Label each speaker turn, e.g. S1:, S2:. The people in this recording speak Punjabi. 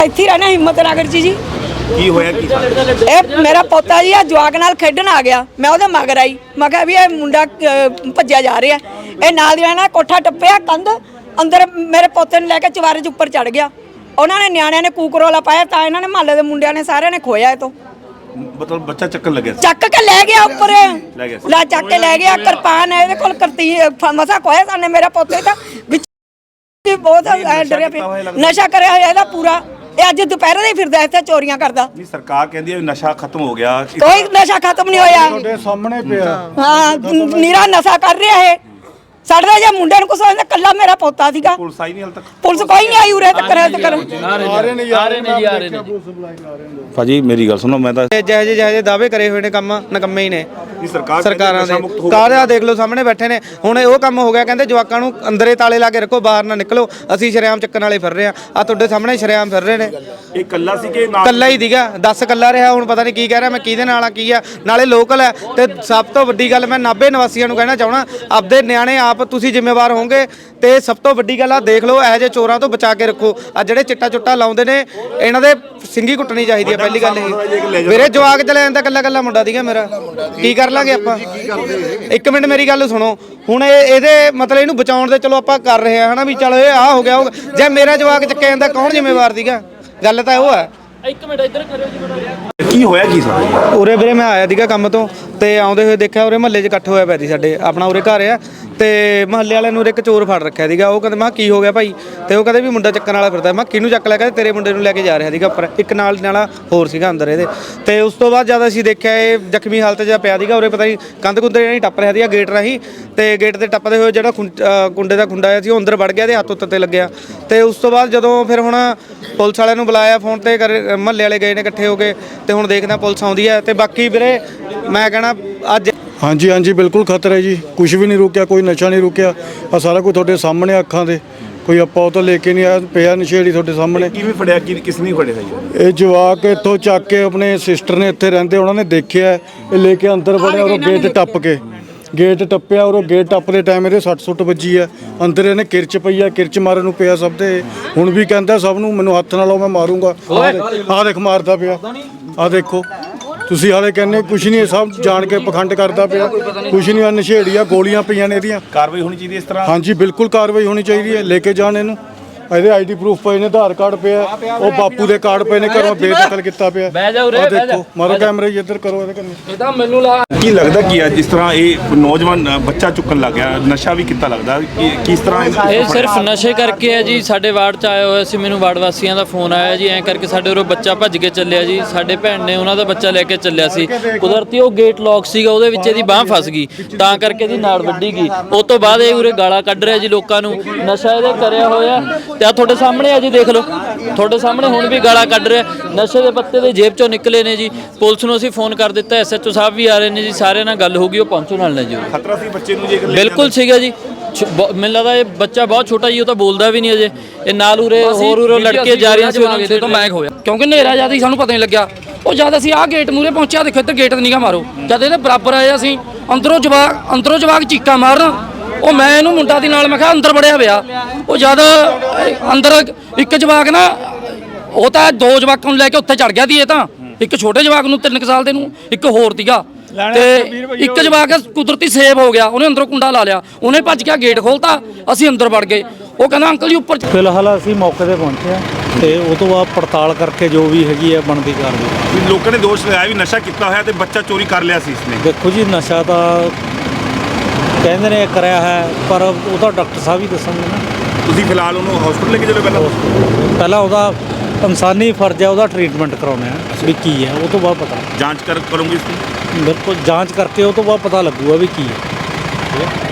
S1: ਇੱਥੇ ਰਹਿਣਾ ਹਿੰਮਤ ਨਗਰ ਜੀ।
S2: ਕੀ ਹੋਇਆ ਕੀ?
S1: ਇਹ ਮੇਰਾ ਪੋਤਾ ਜੀ ਆ ਜਵਾਕ ਨਾਲ ਖੇਡਣ ਆ ਗਿਆ, ਮੈਂ ਉਹਦੇ ਮਗਰ ਆਈ, ਮੈਂ ਕਿਹਾ ਵੀ ਇਹ ਮੁੰਡਾ ਭੱਜਿਆ ਜਾ ਰਿਹਾ। ਇਹ ਨਾਲ ਦੀ ਨਾਲ ਕੋਠਾ ਟੱਪਿਆ, ਕੰਧ ਅੰਦਰ ਮੇਰੇ ਪੋਤੇ ਨੂੰ ਲੈ ਕੇ ਚਵਾਰੇ 'ਚ ਉੱਪਰ ਚੜ ਗਿਆ। ਉਹਨਾਂ ਨੇ ਨਿਆਣਿਆਂ ਨੇ ਕੂਕਰੋਲਾ ਪਾਇਆ ਤਾਂ ਇਹਨਾਂ ਨੇ ਮਹੱਲੇ ਦੇ ਮੁੰਡਿਆਂ ਨੇ ਸਾਰਿਆਂ ਨੇ ਖੋਇਆ ਇਹ ਤੋਂ।
S2: ਮਤਲਬ ਬੱਚਾ ਚੱਕਣ ਲੱਗਿਆ ਸੀ?
S1: ਚੱਕ ਕੇ ਲੈ ਗਿਆ ਉੱਪਰ,
S2: ਲੈ ਗਿਆ ਸੀ।
S1: ਲਾ ਚੱਕ ਕੇ ਲੈ ਗਿਆ। ਕਿਰਪਾਨ ਇਹਦੇ ਕੋਲ ਕਰਤੀ ਮਸਾ ਖੋਇਆ ਸਾਨੇ ਮੇਰੇ ਪੋਤੇ ਤਾਂ ਵਿੱਚ ਬਹੁਤ ਡਰਿਆ ਪਿਆ। ਨਸ਼ਾ ਕਰਿਆ ਹੋਇਆ ਇਹਦਾ ਪੂਰਾ। ਇਹ ਅੱਜ ਦੁਪਹਿਰੇ ਦੇ ਫਿਰਦਾ ਇੱਥੇ ਚੋਰੀਆਂ ਕਰਦਾ।
S2: ਨਹੀਂ, ਸਰਕਾਰ ਕਹਿੰਦੀ ਹੈ ਨਸ਼ਾ ਖਤਮ ਹੋ ਗਿਆ।
S1: ਕੋਈ ਨਸ਼ਾ ਖਤਮ ਨਹੀਂ ਹੋਇਆ।
S3: ਤੁਹਾਡੇ ਸਾਹਮਣੇ ਪਿਆ।
S1: ਹਾਂ, ਨੀਰਾ ਨਸ਼ਾ ਕਰ ਰਿਹਾ ਇਹ। ਸਾਡਾ ਜੇ ਮੁੰਡੇ ਨੂੰ ਕੁਛ ਹੋਇਆ, ਕੱਲਾ ਮੇਰਾ ਪੋਤਾ ਸੀਗਾ।
S2: ਪੁਲਿਸ ਆਈ ਨਹੀਂ ਹਾਲ ਤੱਕ?
S1: ਪੁਲਿਸ ਕੋਈ ਨਹੀਂ ਆਈ ਉਰੇ ਤੱਕ।
S2: ਭਾਜੀ ਮੇਰੀ ਗੱਲ ਸੁਣੋ, ਮੈਂ ਤਾਂ
S4: ਜਿਹੇ ਦਾਅਵੇ ਕਰੇ ਹੋਏ ਨੇ ਕੰਮ ਨਕੰਮੇ ਹੀ ਨੇ ਸਰਕਾਰਾਂ ਦੇ।
S2: ਮੁਕਤ
S4: ਕਾਹਦਾ ਦੇਖ ਲਓ ਸਾਹਮਣੇ ਬੈਠੇ ਨੇ। ਹੁਣ ਉਹ ਕੰਮ ਹੋ ਗਿਆ, ਕਹਿੰਦੇ ਜਵਾਕਾਂ ਨੂੰ ਅੰਦਰੇ ਤਾਲੇ ਲਾ ਕੇ ਰੱਖੋ, ਬਾਹਰ ਨਾ ਨਿਕਲੋ। ਅਸੀਂ ਸ਼ਰੇਆਮ ਚੱਕਣ ਵਾਲੇ ਫਿਰ ਰਹੇ ਆ ਤੁਹਾਡੇ ਸਾਹਮਣੇ ਸ਼ਰੇਆਮ ਫਿਰ ਰਹੇ ਨੇ।
S2: ਇਹ ਕੱਲਾ ਸੀ ਕਿ ਨਾਲ?
S4: ਕੱਲਾ ਹੀ ਦੀਗਾ, 10 ਕੱਲਾ ਰਿਹਾ। ਹੁਣ ਪਤਾ ਨਹੀਂ ਕੀ ਕਹਿ ਰਿਹਾ, ਮੈਂ ਕਿਹਦੇ ਨਾਲ ਆ ਕੀ ਆ। ਨਾਲੇ ਲੋਕਲ ਹੈ। ਤੇ ਸਭ ਤੋਂ ਵੱਡੀ ਗੱਲ ਮੈਂ ਨਾਭੇ ਨਿਵਾਸੀਆਂ ਨੂੰ ਕਹਿਣਾ ਚਾਹਣਾ, ਆਪਦੇ ਨਿਆਣੇ ਆਪ ਤੁਸੀਂ ਜ਼ਿੰਮੇਵਾਰ ਹੋਵੋਗੇ। ਤੇ ਸਭ ਤੋਂ ਵੱਡੀ ਗੱਲ ਆ, ਦੇਖ ਲਓ ਇਹੋ ਜਿਹੇ ਚੋਰਾਂ ਤੋਂ ਬਚਾ ਕੇ ਰੱਖੋ। ਆ ਜਿਹੜੇ ਚਿੱਟਾ ਚੁੱਟਾ ਲਾਉਂਦੇ ਨੇ, ਇਹਨਾਂ ਦੇ ਸਿੰਗੀ ਕੁੱਟਣੀ ਚਾਹੀਦੀ ਹੈ। ਪਹਿਲੀ ਗੱਲ ਇਹ ਮੇਰੇ ਜਵਾਕ ਚਲੇ ਜਾਂਦਾ, ਕੱਲਾ ਕੱਲਾ ਮੁੰਡਾ ਦੀਗਾ ਮੇਰਾ। ਕੀ ਕਰ ਲਾਂਗੇ ਆਪਾਂ? ਇੱਕ ਮਿੰਟ ਮੇਰੀ ਗੱਲ ਸੁਣੋ। ਹੁਣ ਇਹਦੇ ਮਤਲਬ ਇਹਨੂੰ ਬਚਾਉਣ ਦੇ ਚਲੋ ਆਪਾਂ ਕਰ ਰਹੇ ਹਾਂ ਹਨਾ, ਵੀ ਚਲੋ ਇਹ ਆ ਹੋ ਗਿਆ। ਜੇ ਮੇਰਾ ਜਵਾਕ ਚੱਕਿਆ ਜਾਂਦਾ ਕੌਣ ਜ਼ਿੰਮੇਵਾਰ ਸੀਗਾ? ਗੱਲ ਤਾਂ ਉਹ ਹੈ।
S5: ਇੱਕ ਮਿੰਟ ਇੱਧਰ ਕਰਿਓ ਜੀ।
S2: ਕੀ ਹੋਇਆ ਕੀ ਸਾਰਾ?
S4: ਉਰੇ ਵੀਰੇ ਮੈਂ ਆਇਆ ਸੀਗਾ ਕੰਮ ਤੋਂ, ਤੇ ਆਉਂਦੇ ਹੋਏ ਦੇਖਿਆ ਉਰੇ ਮਹੱਲੇ 'ਚ ਇਕੱਠ ਹੋਇਆ ਪਿਆ ਸੀ। ਸਾਡੇ ਆਪਣਾ ਉਰੇ ਘਰ ਆ, ਤੇ ਮਹੱਲੇ ਵਾਲਿਆਂ ਨੂੰ ਇੱਕ ਚੋਰ ਫੜ ਰੱਖਿਆ ਸੀਗਾ। ਉਹ ਕਹਿੰਦੇ ਮੈਂ ਕੀ ਹੋ ਗਿਆ ਭਾਈ? ਤੇ ਉਹ ਕਹਿੰਦੇ ਵੀ ਮੁੰਡਾ ਚੱਕਣ ਵਾਲਾ ਫਿਰਦਾ। ਮੈਂ ਕਿਹਨੂੰ ਚੱਕ ਲਿਆ? ਕਹਿੰਦੇ ਤੇਰੇ ਮੁੰਡੇ ਨੂੰ ਲੈ ਕੇ ਜਾ ਰਿਹਾ ਸੀਗਾ ਉੱਪਰ। ਇੱਕ ਨਾਲ ਹੋਰ ਸੀਗਾ ਅੰਦਰ ਇਹਦੇ। ਤੇ ਉਸ ਤੋਂ ਬਾਅਦ ਜਦ ਅਸੀਂ ਦੇਖਿਆ ਇਹ ਜ਼ਖਮੀ ਹਾਲਤ 'ਚ ਪਿਆ ਸੀਗਾ। ਉਰੇ ਪਤਾ ਨਹੀਂ ਕੰਧ ਕੁੰਦੇ ਨਹੀਂ ਟੱਪ ਰਿਹਾ ਸੀਗਾ ਗੇਟ ਰਾਹੀਂ। ਤੇ ਗੇਟ ਤੇ ਟੱਪਦੇ ਹੋਏ ਜਿਹੜਾ ਕੁੰਡੇ ਦਾ ਖੁੰਡਾ ਆਇਆ ਸੀ ਉਹ ਅੰਦਰ ਵੜ ਗਿਆ, ਤੇ ਹੱਥ ਉੱਤੇ ਲੱਗਿਆ। ਤੇ ਉਸ ਤੋਂ ਬਾਅਦ ਜਦੋਂ ਫਿਰ ਹੁਣ ਪੁਲਿਸ ਵਾਲਿਆਂ ਨੂੰ ਬੁਲਾਇਆ ਫੋਨ ਤੇ, ਮਹੱਲੇ ਵਾਲੇ ਗਏ ਨੇ ਇਕੱਠੇ ਹੋ ਕੇ। ਤੇ ਹੁਣ ਦੇਖਦੇ ਪੁਲਿਸ ਆਉਂਦੀ ਹੈ। ਤੇ ਬਾਕੀ ਵੀਰੇ ਮੈਂ ਕਹਿਣਾ ਅੱਜ
S3: ਹਾਂਜੀ ਹਾਂਜੀ ਬਿਲਕੁਲ ਖਤਰਾ ਹੈ ਜੀ। ਕੁਝ ਵੀ ਨਹੀਂ ਰੁਕਿਆ, ਕੋਈ ਨਸ਼ਾ ਨਹੀਂ ਰੁਕਿਆ। ਆ ਸਾਰਾ ਕੁਝ ਤੁਹਾਡੇ ਸਾਹਮਣੇ ਅੱਖਾਂ ਦੇ। ਕੋਈ ਆਪਾਂ ਉਹ ਤਾਂ ਲੈ ਕੇ ਨਹੀਂ ਆਇਆ, ਪਿਆ ਨਸ਼ੇੜੀ ਤੁਹਾਡੇ ਸਾਹਮਣੇ।
S2: ਕਿਵੇਂ ਫੜਿਆ? ਕਿਸ ਨੇ ਫੜਿਆ ਸੀ?
S3: ਇਹ ਜਵਾਕ ਇੱਥੋਂ ਚੱਕ ਕੇ ਆਪਣੇ ਸਿਸਟਰ ਨੇ ਇੱਥੇ ਰਹਿੰਦੇ, ਉਹਨਾਂ ਨੇ ਦੇਖਿਆ, ਇਹ ਲੈ ਕੇ ਅੰਦਰ ਵੜਿਆ। ਉਹ ਗੇਟ ਟੱਪ ਕੇ ਗੇਟ ਟੱਪਿਆ। ਉਹ ਗੇਟ ਟੱਪਦੇ ਟਾਈਮ ਇਹਦੇ 60 ਸੁੱਟ ਵੱਜੀ ਆ। ਅੰਦਰ ਇਹਨੇ ਕਿਰਚ ਪਈ ਆ, ਕਿਰਚ ਮਾਰਨ ਨੂੰ ਪਿਆ ਸਭ ਦੇ। ਹੁਣ ਵੀ ਕਹਿੰਦਾ ਸਭ ਨੂੰ ਮੈਨੂੰ ਹੱਥ ਨਾ ਲਾਓ, ਮੈਂ ਮਾਰੂੰਗਾ। ਆਹ ਦੇਖ ਮਾਰਦਾ ਪਿਆ। ਆਹ ਦੇਖੋ ਤੁਸੀਂ ਹਾਲੇ ਕਹਿੰਦੇ ਕੁਛ ਨਹੀਂ, ਸਭ ਜਾਣ ਕੇ ਪਖੰਡ ਕਰਦਾ ਪਿਆ। ਕੁਛ ਨਹੀਂ, ਆ ਨਸ਼ੇੜੀ ਆ, ਗੋਲੀਆਂ ਪਈਆਂ ਨੇ ਇਹਦੀਆਂ।
S2: ਕਾਰਵਾਈ ਹੋਣੀ ਚਾਹੀਦੀ ਇਸ ਤਰ੍ਹਾਂ?
S3: ਹਾਂਜੀ ਬਿਲਕੁਲ ਕਾਰਵਾਈ ਹੋਣੀ ਚਾਹੀਦੀ ਹੈ। ਲੈ ਕੇ ਜਾਣ ਇਹਨੂੰ। ਇਹਦੇ ਆਈਡੀ ਪ੍ਰੂਫ ਪਏ ਨੇ, ਆਧਾਰ ਕਾਰਡ ਪਿਆ, ਉਹ ਬਾਪੂ ਦੇ ਕਾਰਡ ਪਏ ਨੇ, ਘਰੋਂ ਬੇਦਖਲ ਕੀਤਾ ਪਿਆ। ਆਹ ਦੇਖੋ, ਮਾਰੋ ਕੈਮਰੇ ਇੱਧਰ ਕਰੋ ਇਹਦੇ ਕੰਨੇ।
S5: ਇਹ ਤਾਂ ਮੈਨੂੰ ਲਾ
S2: ਕੀ ਲੱਗਦਾ ਕੀ ਅੱਜ ਇਸ ਤਰ੍ਹਾਂ ਇਹ ਨੌਜਵਾਨ ਬੱਚਾ ਚੁੱਕਣ ਲੱਗ ਗਿਆ? ਨਸ਼ਾ ਵੀ ਕੀਤਾ ਲੱਗਦਾ ਕਿ ਕਿਸ ਤਰ੍ਹਾਂ?
S5: ਇਹ ਸਿਰਫ ਨਸ਼ੇ ਕਰਕੇ ਹੈ ਜੀ। ਸਾਡੇ ਵਾਰਡ 'ਚ ਆਇਆ ਹੋਇਆ ਸੀ, ਮੈਨੂੰ ਵਾਰਡ ਵਾਸੀਆਂ ਦਾ ਫੋਨ ਆਇਆ ਜੀ, ਐਂ ਕਰਕੇ ਸਾਡੇ ਉਰੋਂ ਬੱਚਾ ਭੱਜ ਕੇ ਚੱਲਿਆ ਜੀ। ਸਾਡੇ ਭੈਣ ਨੇ ਉਹਨਾਂ ਦਾ ਬੱਚਾ ਲੈ ਕੇ ਚੱਲਿਆ ਸੀ। ਕੁਦਰਤੀ ਉਹ ਗੇਟ ਲੌਕ ਸੀਗਾ, ਉਹਦੇ ਵਿੱਚ ਇਹਦੀ ਬਾਂਹ ਫਸ ਗਈ, ਤਾਂ ਕਰਕੇ ਇਹਦੀ ਨਾੜ ਵੱਢੀ ਗਈ। ਉਸ ਤੋਂ ਬਾਅਦ ਇਹ ਉਰੇ ਗਾਲਾਂ ਕੱਢ ਰਿਹਾ ਜੀ ਲੋਕਾਂ ਨੂੰ। ਨਸ਼ਾ ਇਹਦੇ ਕਰਿਆ ਹੋਇਆ, ਤੇ ਆ ਤੁਹਾਡੇ ਸਾਹਮਣੇ ਆ ਜੀ, ਦੇਖ ਲਓ ਤੁਹਾਡੇ ਸਾਹਮਣੇ ਹੁਣ ਵੀ ਗਾਲਾਂ ਕੱਢ ਰਿਹਾ। ਨਸ਼ੇ ਦੇ ਪੱਤੇ ਦੇ ਜੇਬ 'ਚੋਂ ਨਿਕਲੇ ਨੇ ਜੀ। ਪੁਲਿਸ ਨੂੰ ਅਸੀਂ ਫੋਨ ਕਰ ਦਿੱਤਾ, SHO ਸਾਹਿਬ ਵੀ ਆ ਰਹੇ ਨੇ ਜੀ, ਸਾਰਿਆਂ ਨਾਲ ਗੱਲ ਹੋ ਗਈ, ਉਹ ਪਹੁੰਚੋ ਨਾਲ ਨੇ ਜੀ।
S2: ਖਤਰਾ ਸੀ ਬੱਚੇ ਨੂੰ? ਜੇ
S5: ਬਿਲਕੁਲ ਸੀਗਾ ਜੀ। ਮੈਨੂੰ ਲੱਗਦਾ ਇਹ ਬੱਚਾ ਬਹੁਤ ਛੋਟਾ ਜੀ, ਉਹ ਤਾਂ ਬੋਲਦਾ ਵੀ ਨਹੀਂ ਅਜੇ। ਇਹ ਨਾਲ ਉਰੇ ਹੋਰ ਲੜਕੇ ਜਾ ਰਹੀਆਂ ਸੀ, ਉਹਨਾਂ ਤੋਂ ਮੈਂ ਹੋਇਆ ਕਿਉਂਕਿ ਹਨੇਰਾ ਜ਼ਿਆਦਾ ਸੀ, ਸਾਨੂੰ ਪਤਾ ਨਹੀਂ ਲੱਗਿਆ। ਉਹ ਜਦ ਅਸੀਂ ਆਹ ਗੇਟ ਮੂਹਰੇ ਪਹੁੰਚਿਆ, ਦੇਖੋ ਇੱਧਰ ਗੇਟ ਨਿਗਾ ਮਾਰੋ, ਜਦ ਇਹਦੇ ਬਰਾਬਰ ਆਏ ਅਸੀਂ, ਅੰਦਰੋਂ ਜਵਾਕ ਚੀਕਾਂ ਮਾਰਨ। ਉਹ ਮੈਂ ਇਹਨੂੰ ਮੁੰਡਾ ਦੀ ਨਾਲ, ਮੈਂ ਕਿਹਾ ਅੰਦਰ ਵੜਿਆ ਪਿਆ। ਉਹ ਜਦ ਅੰਦਰ ਇੱਕ ਜਵਾਕ ਨਾ, ਉਹ ਤਾਂ 2 ਜਵਾਕਾਂ ਨੂੰ ਲੈ ਕੇ ਉੱਥੇ ਚੜ ਗਿਆ ਸੀ। ਇਹ ਤਾਂ ਇੱਕ ਛੋਟੇ ਜਵਾਕ ਨੂੰ 3 ਸਾਲ ਦੇ ਨੂੰ, ਇੱਕ ਹੋਰ ਸੀਗਾ। ਤੇ ਇੱਕ ਜਵਾਕ ਕੁਦਰਤੀ ਸੇਵ ਹੋ ਗਿਆ, ਉਹਨੇ ਅੰਦਰੋਂ ਕੁੰਡਾ ਲਾ ਲਿਆ, ਉਹਨੇ ਭੱਜ ਕੇ ਗੇਟ ਖੋਲਤਾ, ਅਸੀਂ ਅੰਦਰ ਵੜ ਗਏ। ਉਹ ਕਹਿੰਦਾ ਅੰਕਲ ਜੀ ਉੱਪਰ।
S6: ਫਿਲਹਾਲ ਅਸੀਂ ਮੌਕੇ ਤੇ ਪਹੁੰਚੇ ਹਾਂ, ਤੇ ਉਹ ਤੋਂ ਬਾਅਦ ਪੜਤਾਲ ਕਰਕੇ ਜੋ ਵੀ ਹੈਗੀ ਹੈ ਬਣਦੀ ਕਾਰਵਾਈ।
S2: ਲੋਕਾਂ ਨੇ ਦੋਸ਼ ਲਗਾਇਆ ਵੀ ਨਸ਼ਾ ਕੀਤਾ ਹੋਇਆ ਤੇ ਬੱਚਾ ਚੋਰੀ ਕਰ ਲਿਆ ਸੀ ਇਸਨੇ।
S6: ਦੇਖੋ ਜੀ, ਨਸ਼ਾ ਤਾਂ ਕਹਿੰਦੇ ਨੇ ਕਰਿਆ ਹੈ, ਪਰ ਉਹ ਤਾਂ ਡਾਕਟਰ ਸਾਹਿਬ ਹੀ ਦੱਸਣਗੇ ਨਾ।
S2: ਤੁਸੀਂ ਫਿਲਹਾਲ ਉਹਨੂੰ ਹਸਪੀਟਲ ਲੈ ਕੇ ਚਲੋ।
S6: ਪਹਿਲਾਂ ਉਹਦਾ ਇਨਸਾਨੀ ਫਰਜ਼ ਹੈ, ਉਹਦਾ ਟ੍ਰੀਟਮੈਂਟ ਕਰਾਉਣਾ ਹੈ ਵੀ ਕੀ ਹੈ। ਉਹ ਤੋਂ ਬਾਅਦ ਪਤਾ
S2: ਜਾਂਚ ਕਰੋਗੇ ਇਸ ਦੀ?
S6: ਬਿਲਕੁਲ ਜਾਂਚ ਕਰਕੇ ਉਹ ਤੋਂ ਬਾਅਦ ਪਤਾ ਲੱਗੂਗਾ ਵੀ ਕੀ ਹੈ।